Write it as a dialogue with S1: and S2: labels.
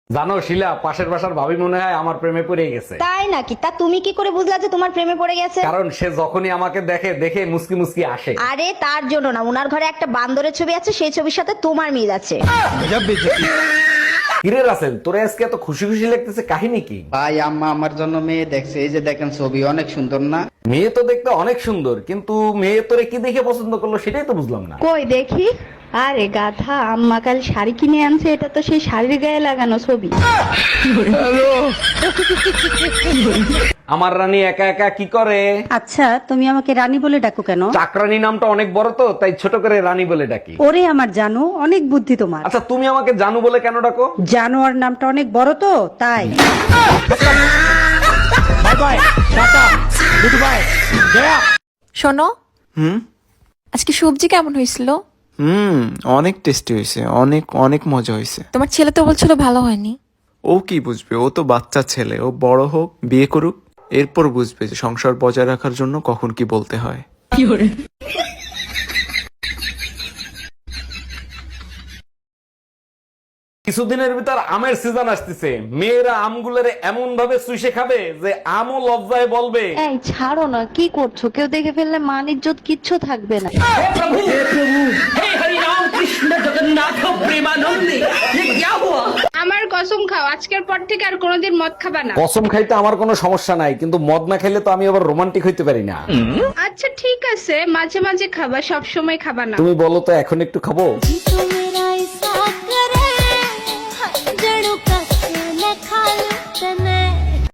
S1: জানো শিলা, পাশের বাসার ভাবি মনে হয় আমার প্রেমে পড়ে গেছে।
S2: তাই নাকি? তা তুমি কি করে বুঝলা যে তোমার প্রেমে পড়ে গেছে?
S1: কারণ সে যখনই আমাকে দেখে দেখে মুসকি মুসকি আসে।
S2: আরে তার জন্য না, উনার ঘরে একটা বান্দরের ছবি আছে, সেই ছবির সাথে তোমার মিল আছে।
S1: কিরে রাসেল, তোরে আজকে এত খুশি খুশি লাগতেছে, কাহিনী কি?
S3: ভাই আম্মা আমার জন্য মেয়ে দেখছে, এই যে দেখেন ছবি অনেক সুন্দর না?
S1: মেয়ে তো দেখতে অনেক সুন্দর, কিন্তু মেয়ে তোরে কি দেখে পছন্দ করলো সেটাই তো বুঝলাম না।
S4: কই দেখি। আরে গাধা, আম্মা কাল শাড়ি কিনে আনছে, এটা তো সেই শাড়ির গায়ে লাগানো ছবি।
S1: আমার রানী একা একা কি করে?
S5: আচ্ছা, তুমি আমাকে রানী বলে ডাকো কেন?
S1: চাকরানী নামটা অনেক বড় তো, তাই ছোট করে রানী বলে ডাকি।
S5: ওরে আমার জানো, অনেক বুদ্ধি তোমার।
S1: আচ্ছা, তুমি আমাকে জানু বলে কেন ডাকো?
S5: জানোয়ার নামটা অনেক বড় তো, তাই।
S6: শোনো, আজকে সবজি কেমন হয়েছিল?
S7: অনেক টেস্টি হয়েছে, অনেক অনেক মজা হয়েছে।
S6: তোমার ছেলে তো বলছিল ভালো হয়নি।
S7: ও কি বুঝবে, ও তো বাচ্চা ছেলে, ও বড় হোক, বিয়ে করুক, এরপর বুঝবে যে সংসার বজায় রাখার জন্য কখন কি বলতে হয়।
S1: কিছুদিনের ভিতর আমের সিজন আসতেছে, মেয়েরা আমগুলোরে এমন ভাবে চুষে খাবে যে আমও লজ্জায় বলবে।
S4: এই ছাড়ো না, কি করছো? কেউ দেখে ফেললে মান ইজ্জত কিচ্ছু থাকবে না।
S8: আমার কসম খাও, আজকের পর থেকে আর কোনোদিন মদ খাবা না।
S1: কসম খাইতে আমার কোনো সমস্যা নাই, কিন্তু মদ না খেলে তো আমি আবার রোমান্টিক হইতে পারি না।
S8: আচ্ছা ঠিক আছে, মাঝে মাঝে খাবা, সব সময় খাবা না।
S1: তুমি বলো তো এখন একটু খাবো?
S6: তুমি